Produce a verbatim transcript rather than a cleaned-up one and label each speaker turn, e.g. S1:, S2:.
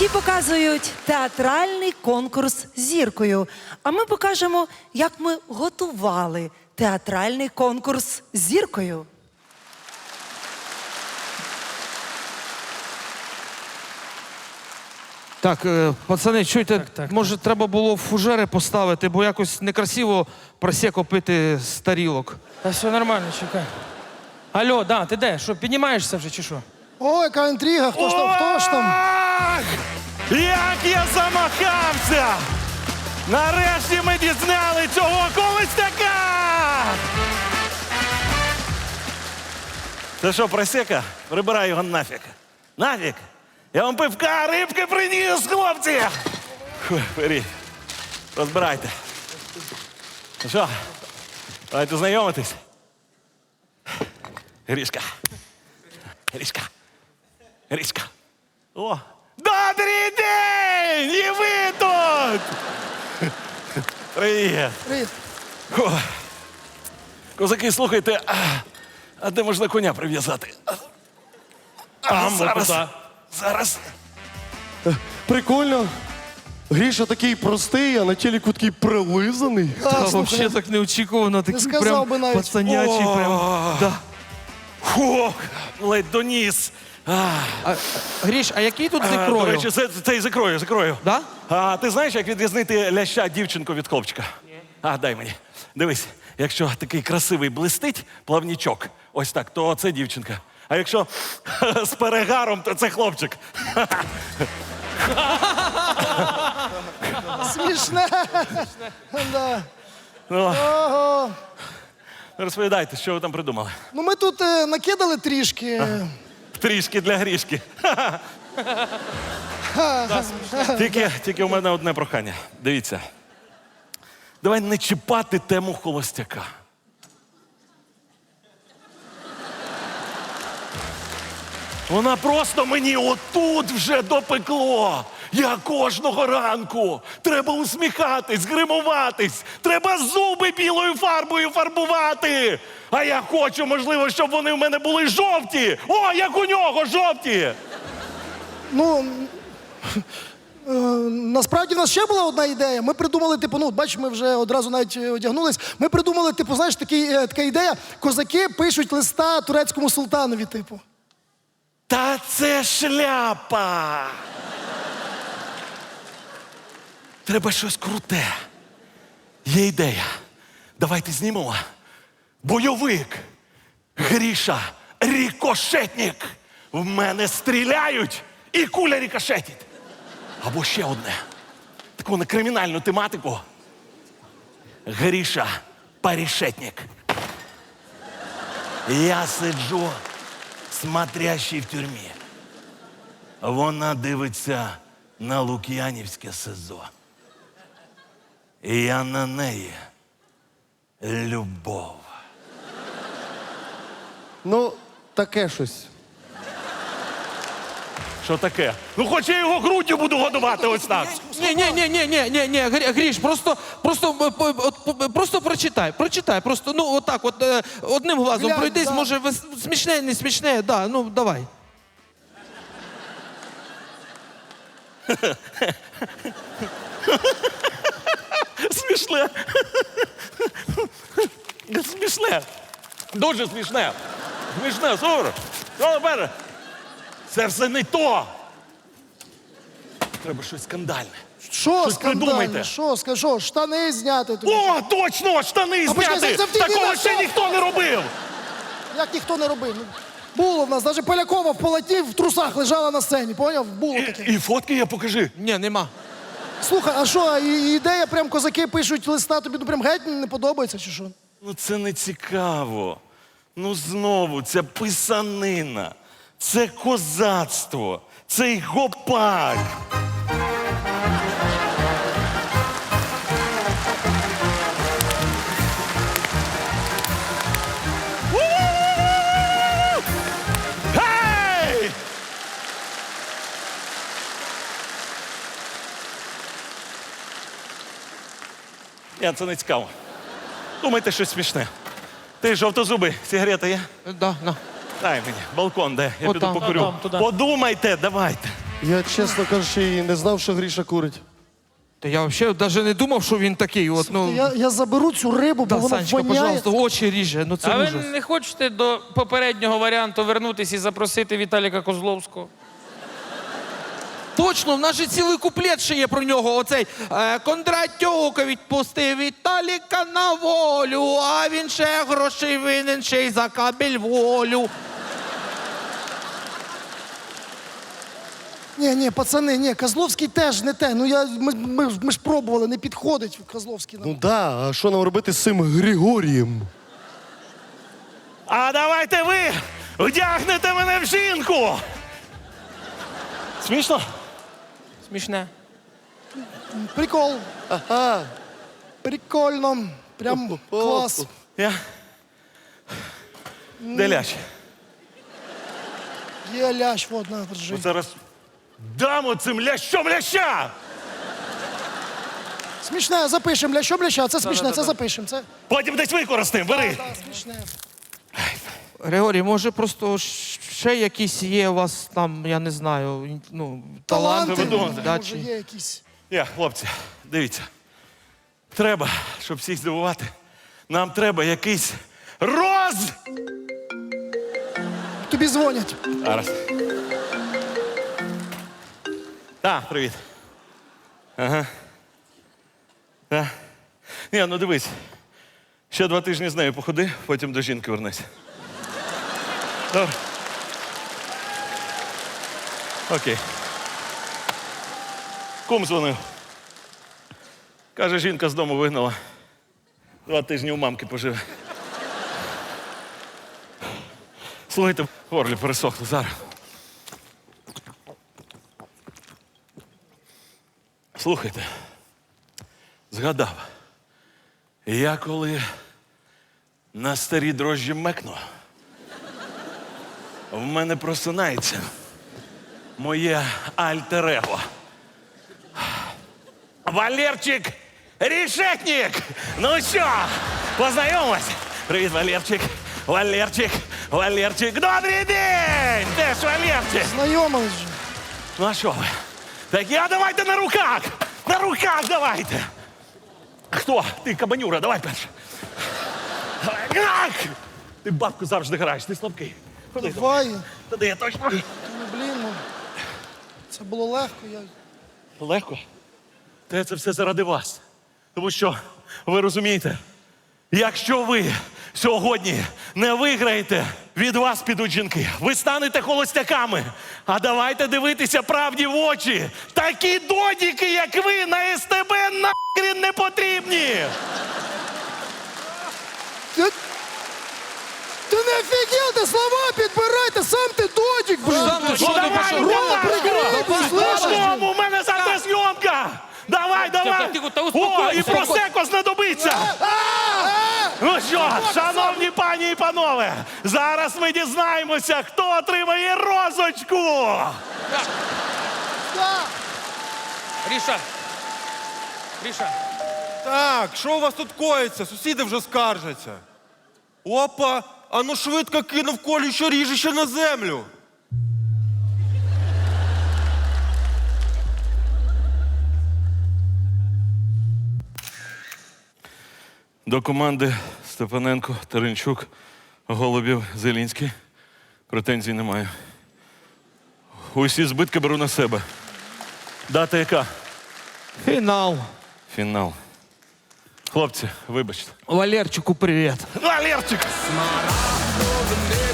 S1: Ті показують театральний конкурс з зіркою, а ми покажемо, як ми готували театральний конкурс з зіркою.
S2: Так, е, пацани, чуйте,
S3: Так, так,
S2: може треба було фужери поставити, бо якось некрасиво просеко пити з тарілок.
S3: Та все нормально, чекай. Алло, да, ти де? Що, піднімаєшся вже чи що?
S4: Ой, яка інтрига, хто ж там, хто ж там?
S5: Ах! Як я замахався! Нарешті ми дізняли цього Колостяка! Це що, просека? Прибирай його нафіг. Нафіг! Я вам пивка, рибки приніс, хлопці! Фу, беріть. Розбирайте. Ну що, давайте знайомитись. Грішка. Грішка. Грішка. О! Добрий день! І ви тут! Привіт!
S4: Привіт.
S5: О, козаки, слухайте, а, а де можна коня прив'язати? А, а, зараз, зараз.
S6: Прикольно. Гріша такий простий, а на телеку такий прилизаний.
S2: Та
S4: Так, слухай,
S2: взагалі так неочікувано, такий
S4: сказав
S2: прям
S4: би навіть.
S2: пацанячий.
S5: О.
S2: Прям. Да.
S5: Фух, ледь доніс. А,
S2: А, Гріш, а який тут з
S5: а,
S2: ікрою?
S5: До речі, це, це із ікрою, з ікрою.
S2: Да?
S5: А ти знаєш, як відрізнити ляща дівчинку від хлопчика? Ні. А, дай мені. Дивись, якщо такий красивий блистить плавнічок, ось так, то це дівчинка. А якщо з перегаром, то це хлопчик.
S4: Смішне. Да.
S5: Ну,
S4: Ого.
S5: розповідайте, що ви там придумали.
S4: Ну ми тут е, накидали трішки.
S5: Трішки для грішки. тільки, тільки у мене одне прохання. Дивіться. Давай не чіпати тему холостяка. Вона просто мені отут вже допекло. Я кожного ранку. Треба усміхатись, гримуватись. Треба зуби білою фарбою фарбувати. А я хочу, можливо, щоб вони в мене були жовті. О, як у нього, жовті.
S4: Ну, е, насправді в нас ще була одна ідея. Ми придумали, типу, ну, бачиш, ми вже одразу навіть одягнулись. Ми придумали, типу, знаєш, такий, е, така ідея. Козаки пишуть листа турецькому султанові, типу.
S5: Та це шляпа. Треба щось круте. Є ідея. Давайте знімемо. Бойовик. Гріша. Рікошетник. В мене стріляють і куля рікошетить. Або ще одне. Таку на кримінальну тематику. Гріша. Парішетник. Я сиджу, смотрящий в тюрмі. Вона дивиться на Лук'янівське СИЗО. І я на неї любов.
S6: Ну, таке щось.
S5: Що таке? Ну хоч я його груддю буду годувати ось так.
S2: Ні, ні, ні, ні, ні, ні, ні, Гріш, просто, просто, е, по- от, по- просто прочитай, прочитай, просто, ну, отак, от, е, одним глазом
S4: Глянь,
S2: пройдись,
S4: да.
S2: може, вес- смішне, не смішне, да, ну, давай.
S5: Смішне. Смішне. Дуже смішне. Смішне, супер. Що тепер? Це все не то. Треба щось скандальне.
S4: Що
S5: Щось
S4: скандальне?
S5: придумайте.
S4: Що, скажи, що, штани зняти тобі?
S5: О, точно! Штани
S4: А почекай,
S5: зняти!
S4: це в тій
S5: Такого
S4: відео,
S5: ще
S4: що?
S5: ніхто не робив!
S4: Як ніхто не робив. Ну, було в нас, навіть Полякова в полоті в трусах лежала на сцені, поняв? Було таке.
S5: І фотки я покажи.
S2: Ні, нема.
S4: Слухай, а що, і- ідея, прям козаки пишуть листа, тобі ну, прям геть не подобається, чи що?
S5: Ну це не цікаво. Ну знову, ця писанина, це козацтво, цей гопак. У-у-у! Гей! Ні, це не цікаво. Думайте щось смішне. Ти жовтозубий, сигарета є?
S2: Да, на.
S5: Дай мені, балкон де, я
S2: От
S5: піду
S2: там.
S5: покурю.
S3: Там, туди.
S5: Подумайте, давайте.
S6: Я, чесно кажучи, і не знав, що Гріша курить.
S2: Та я взагалі навіть не думав, що він такий. От, ну,
S4: Я, я заберу цю рибу, бо
S2: да,
S4: вона
S2: Санечка,
S4: воняє.
S2: пожалуйста, очі ріже. Ну це
S3: А ви
S2: ужас.
S3: не хочете до попереднього варіанту вернутися і запросити Віталіка Козловського?
S2: Точно, в нас же цілий куплет ще є про нього. Оцей е, Кондратюк відпустив Віталіка на волю, а він ще грошей винен, ще й за кабель волю.
S4: Ні, ні, пацани, ні, Козловський теж не те. Ну я, ми, ми, ж- ми ж пробували, не підходить Козловський нам.
S6: Ну да, а що нам робити з цим Григорієм?
S5: А давайте ви вдягнете мене в жінку. Смішно?
S3: Смішне.
S4: Прикол,
S6: Ага.
S4: прикольно. Прям клас.
S5: Я. Де лящ?
S4: Є лящ, вот, на, держи.
S5: Зараз дамо цим лящом ляща!
S4: Смішне, запишемо. Лящом ляща, це смішне, це запишемо. Це
S5: Потім десь використаємо, бери.
S4: да, смішне.
S2: Григорій, може просто щ- ще якісь є у вас там, я не знаю, ну, таланти,
S4: Таланти,
S2: да,
S4: може,
S2: чи...
S4: є якісь.
S5: Я, хлопці, дивіться. Треба, щоб всіх здивувати, нам треба якийсь роз...
S4: Тобі дзвонять.
S5: Зараз. Так, привіт. Ага. Так. Ні, ну дивись. Ще два тижні з нею походи, потім до жінки вернися. Добре. Окей. Кум дзвонив. Каже, жінка з дому вигнала. Два тижні у мамки поживе. Слухайте, в горлі пересохло зараз. Слухайте, згадав, я коли на старі дрожжі мекну, в мене просинається моє альтер-его. Валерчик Решетник! Ну що, познайомились? Привіт, Валерчик. Валерчик, Валерчик. Добрий день! Де ж Валерчик?
S4: Знайомились же.
S5: Ну а що ви? Так я давайте на руках! На руках давайте! Хто? Ти, кабанюра, давай перше. Ах! Ти бабку завжди граєш, ти слабкий. Ходи,
S4: Давай.
S5: Туди я точно.
S4: Ну, блін, ну, це було легко. Я...
S5: Легко. Та це все заради вас. Тому що, ви розумієте, якщо ви сьогодні не виграєте, від вас підуть жінки. Ви станете холостяками. А давайте дивитися правді в очі. Такі додіки, як ви, на ес те бе нахрін не потрібні.
S4: Ти, ти не офігел, ти слова підбирайте, сам ти додік, блін.
S2: Сам ти
S5: Ну
S2: що ти
S5: давай,
S2: пішов?
S5: давай,
S4: прикрий,
S5: давай,
S4: слышиш?
S5: Додому, у мене завтра зйомка. Давай, давай.
S3: тихо, та
S5: О,
S3: успокойся,
S5: і просеко знадобиться. Ну що, шановні пані і панове, зараз ми дізнаємося, хто отримає розочку.
S4: Да.
S3: Гріша! Гріша!
S7: Так, що у вас тут коїться? Сусіди вже скаржаться. Опа, а ну швидко кинув колюче ріжище на землю.
S5: До команди Степаненко, Теренчук, Голубів, Зелінський. Претензій немає. Усі збитки беру на себе. Дата яка?
S2: Фінал.
S5: Фінал. Хлопці, вибачте.
S2: Валерчику, привіт.
S5: Валерчик!
S8: Смарагдове